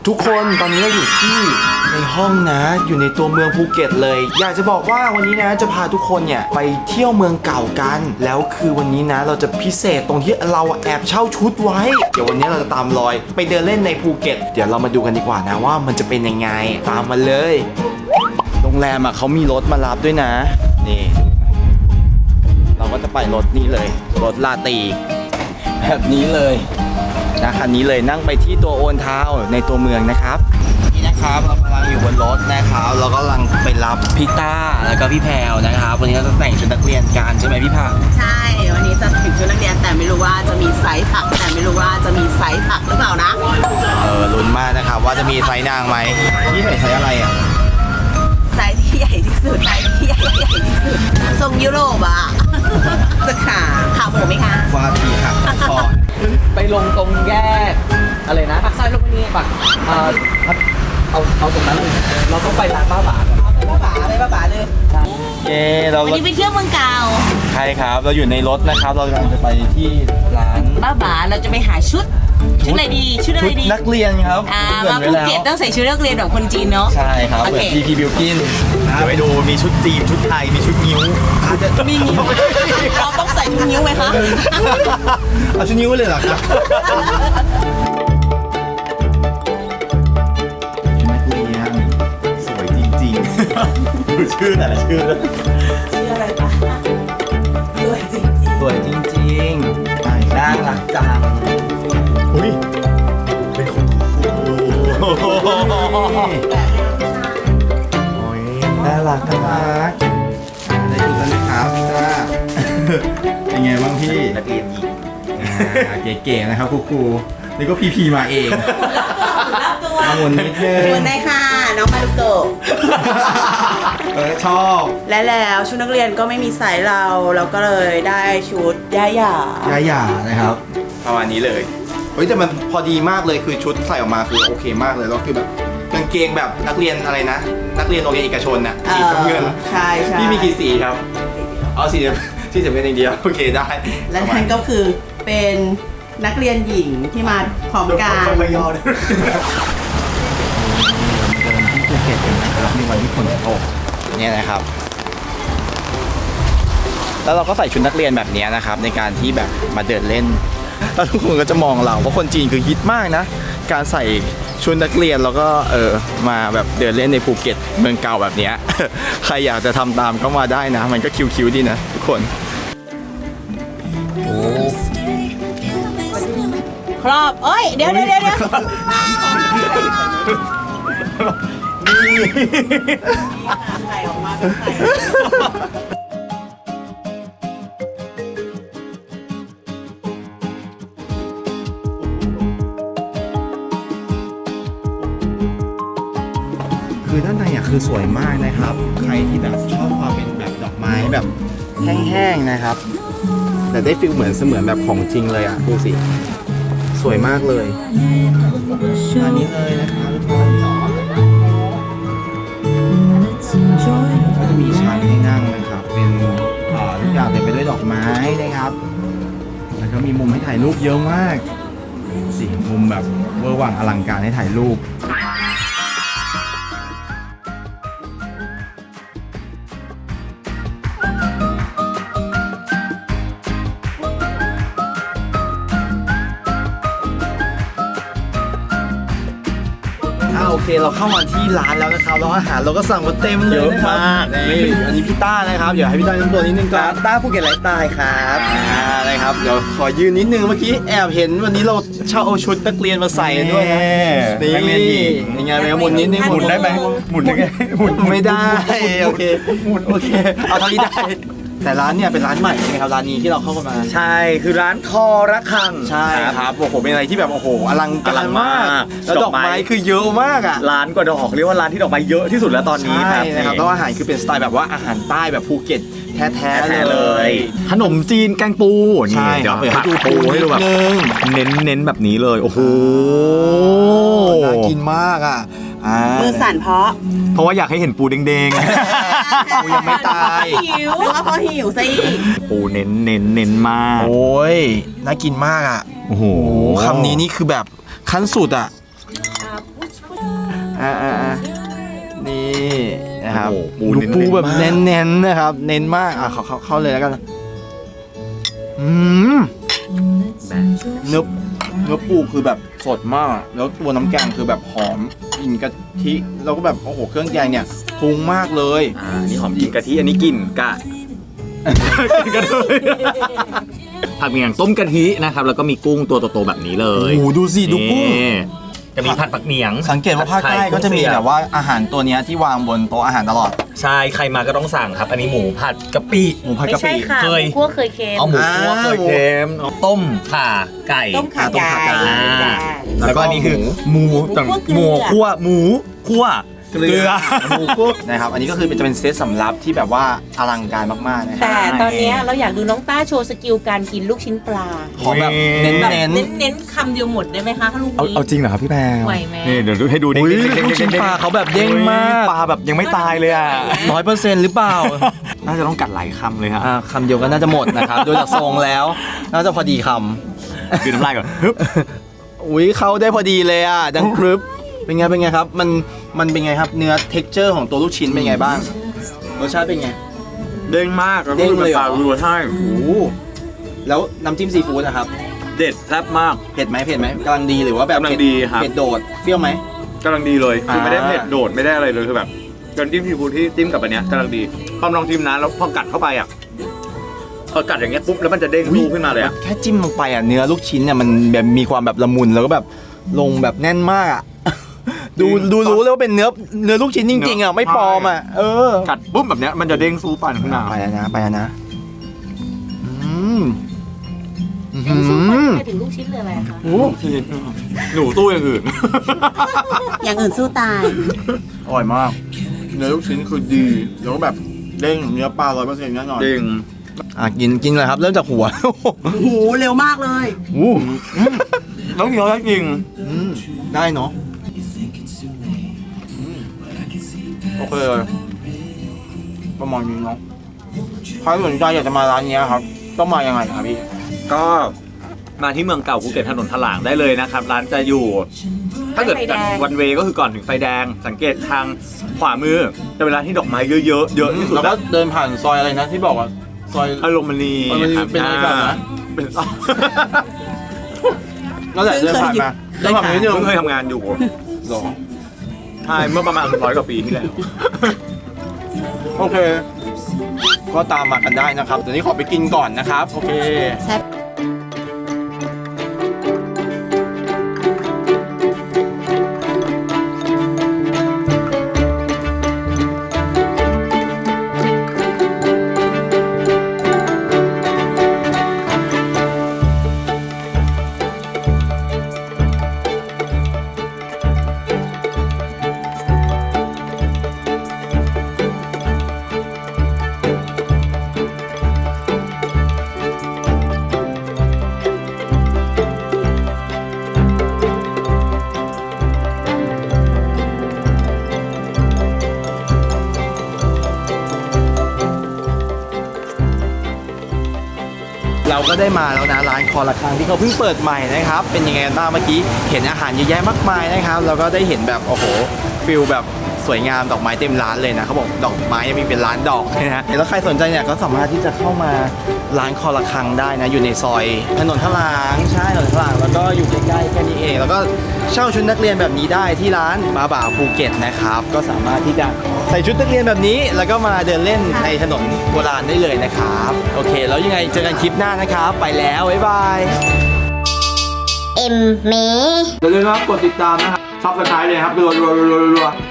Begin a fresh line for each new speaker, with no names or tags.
ทุกคนตอนนี้เราอยู่ที่ในห้องนะอยู่ในตัวเมืองภูเก็ตเลยอยากจะบอกว่าวันนี้นะจะพาทุกคนเนี่ยไปเที่ยวเมืองเก่ากันแล้วคือวันนี้นะเราจะพิเศษตรงที่เราแอบเช่าชุดไว้เดี๋ยววันนี้เราจะตามรอยไปเดินเล่นในภูเก็ตเดี๋ยวเรามาดูกันดีกว่านะว่ามันจะเป็นยังไงตามมาเลยโรงแรมเขามีรถมารับด้วยนะนี่เราก็จะไปรถนี้เลยรถลาตีแบบนี้เลยนะคันนี้เลยนั่งไปที่ตัวโอนเท้าในตัวเมืองนะครับนี่นะครับเรากำลังอยู่บนรถนะครับเราก็กำลังไปรับพี่ต้าแล้วก็พี่แพรวนะครับวันนี้เราจะแต่งชุดนักเรียนกันใช่ไหมพี่ผัก
ใช่วันนี้จะถึงชุดนักเรียนแต่ไม่รู้ว่าจะมีไซส์ผักแต่ไม่รู้ว่าจะมีไซส์ผักหรือเปล่านะ
ลุ้นมากนะครับว่าจะมีไซส์นางไหมพี่ใส่ไซส์อะไรอ่ะ
ไซส์ที่ใหญ่ที่สุดไซส์ที่ใหญ่ที่สุดทรงยุโรปอ่ะจะขาหมูไหมคะ
วาทีค่ะคอ
ไปลงตรงแยกอะไรนะ
ปากซอยลูกนี้
ปากเอาตรงนั้นเลยเราต้องไปร้านป้าบา
ไปป้าบาเลย
เย้เรา
วันนี้ไปเที่ยวเมืองเก่า
ใช่ครับเราอยู่ในรถนะครับเรากำลังจะไปที่ร้าน
ป้าบาเราจะไปหาชุดอะไรดีชุดอะไรดี
นักเรียนครับ
มาภูเก็ตต้องใส่ชุดนักเรียนแบบคนจีนเนาะ
ใช่ครับเหมือนพีบิวกินเดี๋ยวไปดูมีชุดจีนชุดไทยมีชุดนิ้ว
มีนิ้วเราต้องใส่ชุดนิ้วไหมคะ
เอาชุดนิ้วเลยเหรอครับนักเรียนสวยจริงๆดูชื่อแต่ละชื่อ
อะไรปะ
สวยจริงๆน่ารักจังอุ้ยเป็นคุณครูโอ้ยน่ารักได้ดูแล้วนะครับจ้าเป็นไงบ้างพี่นักเรียนหญิงเก๋ๆนะครับครูนี่ก็พีมาเองหมุนนิดนึง
หมุนได้ค่ะน้องมารุโกะ
ชอบ
และแล้วชุดนักเรียนก็ไม่มีไซส์เราก็เลยได้ชุดย่าหย่า
นะครับประมาณนี้เลยเฮ้ยแต่มันพอดีมากเลยคือชุดใส่ออกมาคือโอเคมากเลยแล้วคือแบบกางเกงแบบนักเรียนอะไรนะนักเรียนโรงเรียนเอกชนน่ะสีน้ำเงิน
ใช่
พี่มีกี่สีครับเอาสีเงินอย่างเดียวโอเคได้
และนั่นก็คือเป็นนักเรียนหญิงที่มาพร้อมกัน
ไม่ยอมเลยเดินที่ภูเก็ตกันนะครับในวันที่ฝนตกเนี่ยนะครับแล้วเราก็ใส่ชุดนักเรียนแบบนี้นะครับในการที่แบบมาเดินเล่นแล้วทุกคนก็จะมองเราเพราะคนจีนคือฮิตมากนะการใส่ชุดนักเรียนแล้วก็มาแบบเดินเล่นในภูเก็ตเมืองเก่าแบบนี้ใครอยากจะทำตามก็มาได้นะมันก็คิวๆดีนะทุกคนโอ้
ครอบเอ้ยเดี๋ยวไข่ออกมาเป็นไข่
คือด้านในคือสวยมากนะครับใครที่แบบชอบความเป็นแบบดอกไม้แบบแห้งๆนะครับแต่ได้ฟีลเหมือนแบบของจริงเลยอ่ะดูสิสวยมากเลยอันนี้เลยนะครับทุกคนก็จะมีชั้นให้นั่งนะครับเป็นทุกอย่างเต็มไปด้วยดอกไม้นะครับแล้วก็มีมุมให้ถ่ายรูปเยอะมากสิมุมแบบเวอร์วังอลังการให้ถ่ายรูปโอเคเราเข้ามาที่ร้านแล้วนะครับแล้วอาหารเราก็สั่งมาเต็มเลยนะครับนี่อันนี้พี่ต้านะครับเดี๋ยวให้พี่ต้าแนะนำตัวนิดนึงครับ
ต้าภูเก็ตไลฟ์สไตล์ครับ
นะครับเดี๋ยวขอยืนนิดนึงเมื่อกี้แอบเห็นวันนี้เราเช่าเอาชุดนักเรียนมาใส่ด้วยนะนี่นักเรียนหญิงยังไงไปหมุนนิดนึงหมุนได้ไหมหมุนได้ไงหมุนไม่ได้โอเคโอเคเอาเท่านี้ได้แต่ร้านเนี่ยเป็นร้านใหม่ใช่ไหมครับร้านนี้ที่เราเข้ามา
ใช่คือร้านคอระฆัง
ใช่ครับโอ้โหเป็นอะไรที่แบบโอ้โหอลังการมากแล้วดอกไม้คือเยอะมากอ่ะ
ร้านกว่าดอกเรียกว่าร้านที่ดอกไม้เยอะที่สุดแล้วตอนนี้ครับ
นะครับแล้วอาหารคือเป็นสไตล์แบบว่าอาหารใต้แบบภูเก็ตแท้เลย
ขนมจีนแกงปู
นี่
เดี๋ยว
ให้ดูปูให้ดูแบบ
เน้นแบบนี้เลยโอ้โห
น่ากินมากอ่ะ
มือสั่น
เพราะว่าอยากให้เห็นปูแดง
ๆปูยังไม่ตาย
หิวหรือว่าเพราะหิวซะอีก
ปูเน้นมาก
โอ้ยน่ากินมากอ่ะ
โอ้โห
คำนี้นี่คือแบบขั้นสุดอ่ะนี่นะครับ
โอ้โหปู
ดู
เน้นๆ
ปูแบบ
มาก
เน้นๆนะครับ เน้นมากเข้าเลยแล้วกันเนื้อปูคือแบบสดมาก แล้วตัวน้ำแกงคือแบบหอมกลิ่นกะทิแล้วก็แบบโอ้โหเครื่องแกงเนี่ยปรุงมากเลย
นี่หอมกลิ่นกะทิอันนี้กลิ่นกะกลิ่นกะทิผัดเมียงต้มกะทินะครับแล้วก็มีกุ้งตัวโตๆแบบนี้เลย
โอ้โหดูสิดูกุ้ง
นี่จะมีผัดผักเหนียง
สังเกตว่าภาคใต้ก็จะมีแบบว่าอาหารตัวเนี้ยที่วางบนโต๊ะอาหารตลอด
ใช่ใครมาก็ต้องสั่งครับ อันนี้หมูผัดกะปิ
หมูผัดกะปิ
ไม่ใช่ค่ะ
เคย
พวกเคยเค็ม
เอาหมูคั่วเคยเค็มเอาต้มข่าไก่
ต้มขา
ต้ม
ไก่
ขาไก่
แล้วก็อันนี้คือหมู
หมูคั่ว
หมูคั่วเกลือ
หมูคุกนะครับ อันนี้ก็คือจะเป็นเซตสำรับที่แบบว่าอลังการมากๆนะครับ
แต่ตอนเนี้ยเราอยากดูน้องต้าโชว์สกิลการกินลูกชิ้นปลา
ขอแบบเน้น
แบบ
เน้น
เน้นคำเดียวหมดได้ไหมคะลูกนี้
เอาจริงเหรอครับพี่แพร
ไหวไหม
นี่เดี๋ยวให้ดู
อุ้ยลูกชิ้นปลาเขาแบบเด้งมาก
ปลาแบบยังไม่ตายเลยอ่ะ
100%หรือเปล่า
น่าจะต้องกัดหลายคำเลยฮะ
คำเดียวก็น่าจะหมดนะครับ โดยจากทรงแล้ว น่าจะพอดีค
คือน้ำลายก่อนฮึบ
ำอุ้ยเขาได้พอดีเลยอ่ะดังกรึบเป็นไงครับมันเป็นไงครับเนื้อ texture ของตัวลูกชิ้นเป็นไงบ้างรสชาติเป็นไง
เด้งมากแล้ว
เด้
ก็
งเลยเหรอ
ปลารัวใช่
โอ้โหแล้วน้ำจิ้มซีฟู้ดนะครับ
เด็ดแซ่บมาก
เผ็ดไหมกำลังดีหรือว่าแบบ
กำลังดีครับ
เผ็ดโดดเปรี้ยวไหม
กำลังดีเลยคือไม่ได้
อ่า
เผ็ดโดดไม่ได้อะไรเลยคือแบบน้ำจิ้มซีฟู้ดที่จิ้มกับอันเนี้ยกำลังดีพอลองชิมนะแล้วพอกัดเข้าไปอ่ะพอกัดอย่างเงี้ยปุ๊บแล้วมันจะเด้งสู้ขึ้นมาเลยอ่ะ
แค่จิ้มลงไปอ่ะเนื้อลูกชิ้นเนี่ยมันแบบมีความแบบละมุนแล้วก็แบบลงแบบแน่นมากอ่ะ ดูรู้เลยว่าเป็นเนื้อลูกชิ้นจริงๆอ่ะไม่ปลอมอ่ะ
กัดปุ๊บแบบเนี้ยมันจะเด้งสู้ฟันขึ้นมา
ไปแล้วนะอืม
เอ็นสู้ฟันไปถึงลูกชิ้นเลยอะไรคะ
โอ้
หนูตู้อย่างอื่น
อย่างอื่นสู้ตาย
อร่อยมากเนื้อลูกชิ้นคือดีแล้วก็แบบเด้งเนื้อปลา 100% แน่นอน
จริง
กินเลยครับเริ่มจากหัว
โอ้โหเร็วมากเลย
อู้
แล้วเคี้ยวได้จริง
ได้เนาะโอเคเลยประมาณนี้เนาะใครสนใจอยากจะมาร้านนี้ครับต้องมายังไงครับพี่
ก็มาที่เมืองเก่าภูเก็ตถนนถลางได้เลยนะครับ ร้านจะอยู่ ถ้าเกิด
ไฟแดง
วันเวก็คือก่อนถึงไฟแดง สังเกตทางขวามือจะเป็นร้านที่ดอกไม้เยอะๆเยอะที่สุด
แล้วก็เดินผ่านซอยอะไรนะที่บอกว่าซอย
อารมณี
อารมณี
ครับ
เป็นอะไรแบบนะ
เป็น
นั่นแหละเดินผ่านมาเดินผ่านมานิดนึง
เพิ่งเคยทำงานอยู่
หรอ
ใช่เมื่อประมาณ100 กว่าปีที่แล้ว
โอเค ก็ตามมากันได้นะครับตอนนี้ขอไปกินก่อนนะครับโอเค เราก็ได้มาแล้วนะร้านคอระฆังที่เขาเพิ่งเปิดใหม่นะครับเป็นยังไงกันบ้างเมื่อกี้เห็นอาหารเยอะแยะมากมายนะครับแล้วก็ได้เห็นแบบโอ้โหฟิลแบบสวยงามดอกไม้เต็มร้านเลยนะเขาบอกดอกไม้ยังมีเป็นร้านดอกเลยนะแล้วใครสนใจเนี่ยก็สามารถที่จะเข้ามาร้านคอระฆังได้นะอยู่ในซอยถนนถลางใช่ถนนถลางแล้วก็อยู่ใกล้ๆแค่นี้เองแล้วก็เช่าชุดนักเรียนแบบนี้ได้ที่ร้านบาบ่าภูเก็ตนะครับก็สามารถที่จะใส่ชุดนักเรียนแบบนี้แล้วก็มาเดินเล่นในถนนโบราณได้เลยนะครับโอเคแล้วยังไงเจอกันคลิปหน้านะครับไปแล้วบ๊ายบาย
เอ็มเม
อย่าลืมนะครับกดติดตามนะครับซับสไครต์เลยครับรัว